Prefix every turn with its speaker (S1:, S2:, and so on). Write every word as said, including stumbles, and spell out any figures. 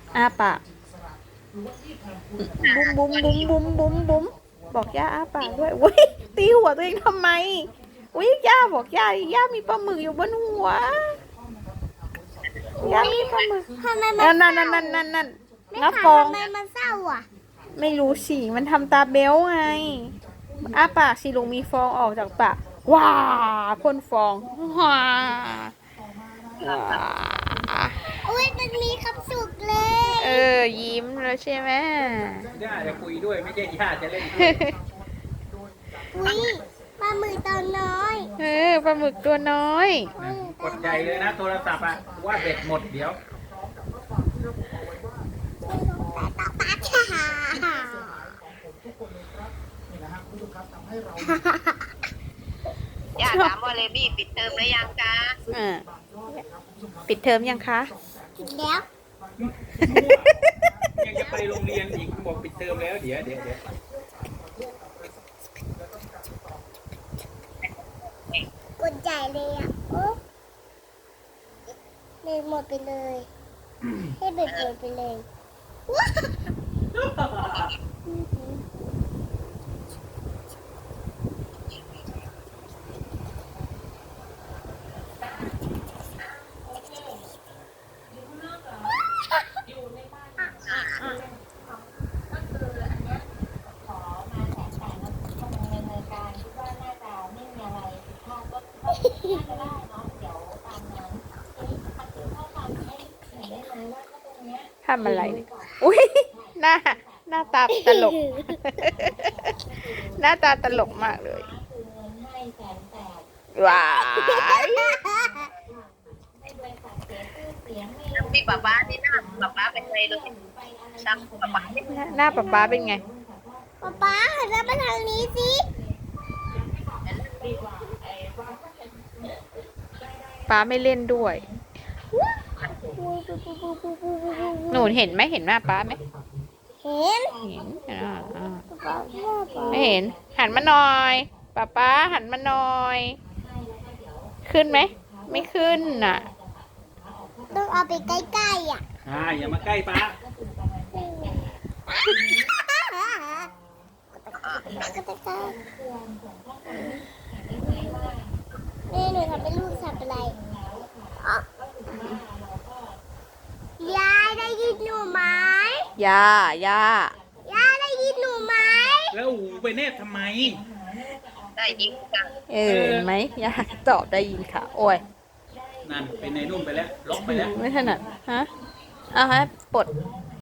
S1: อ้าปากบุ้มบุ้มบุ้มบุ้มบุ้มบุ้มบอกย่าอ้าปากด้วยอุ้ยตีหัวตัวเองทำไมอุ้ยย่าบอกย่าย่ามีปลาหมึกอยู่บนหัวย่ามีปลาหมึก
S2: ทำไมมั
S1: นั่
S2: น
S1: นนั่นนั่นนั่นนั่นนั่น
S2: ไม่
S1: งับ
S2: ค่ะ
S1: ฟอง
S2: ทำไมมันเศร้าอ่ะ
S1: ไม่รู้สิมันทำตาเบลไงอ้าปากสิลุงมีฟองออกจากปากว้าพ่นฟองว้าว้า
S2: อุ้ยมันมีความสุขเลย
S1: เออยิ้มแล้วใช่ไหม
S3: ย่าจะคุยด้วยไม่ใช่ย่าจะเล่นด้วย
S2: อุ้ยปลาหมึกตัวน้อย
S1: เออปลาหมึกตัวน้อย
S3: นะกดใจเลยนะโทรศัพท์อะว่าเบ็ดหมดเดี๋ยว
S2: แต่ต่อปลาค่ะ
S4: ย่าถามว่าเลบี้ปิดเทอมหรือยังจ๊ะ
S1: อ่าปิดเทอมยังคะ
S2: กินแล้ว
S3: ยังจะไปโรงเรียนอีกบอกปิดเทอมแล้วเดี๋ยวเดี๋ยวเดี๋ยว
S2: กดใหญ่เลยอ่ะโอ้เลยหมดไปเลย ให้เบิดหมดไปเลยว้า
S1: ทำอะไรเนี่ยอุ้ยหน้าหน้าตาตลก หน้าตาตลกมากเลยว้าย
S4: พี่ป๊าป๊านี่หน้าป๊าป๊าเป็นไงเลยจำป๊าป๊าไม่
S1: หน้าหน้าป๊าป๊าเป็นไง
S2: ป๊าป๊าหันหน้ามาทางนี้สิ
S1: ป๊าไม่เล่นด้วย หนูเห็นไหมเห็นหน้าป๊าไหม
S2: เห็น
S1: เห็นอ่าอ่า
S2: ป๊าป๊าป๊า
S1: ไม่เห็น หันมาหน่อยป๊าป๊าหันมาหน่อย ขึ้นไหม ไม่ขึ้นน่ะ
S2: ต้องเอาไปใกล้ๆอ่ะ
S3: อ่าอย่ามาใกล้ป้า
S2: นี่หนูทำเป็นลูกสัตว์อะไรอ๋อยายได้ยินหนูไหม
S1: ย่าย่าย
S2: ายได้ยินหนูไหม
S3: แล้วหูไปเนตรทำไม
S4: ได้ยิงจัง
S1: เออเห็นไหมย่าตอบได้ยินค่ะ โอ้ย
S3: นั่นเป็นในนุ่มไปแล้วล็อกไปแล้ว
S1: ไม่ถนัด ฮะ เอาฮะปลด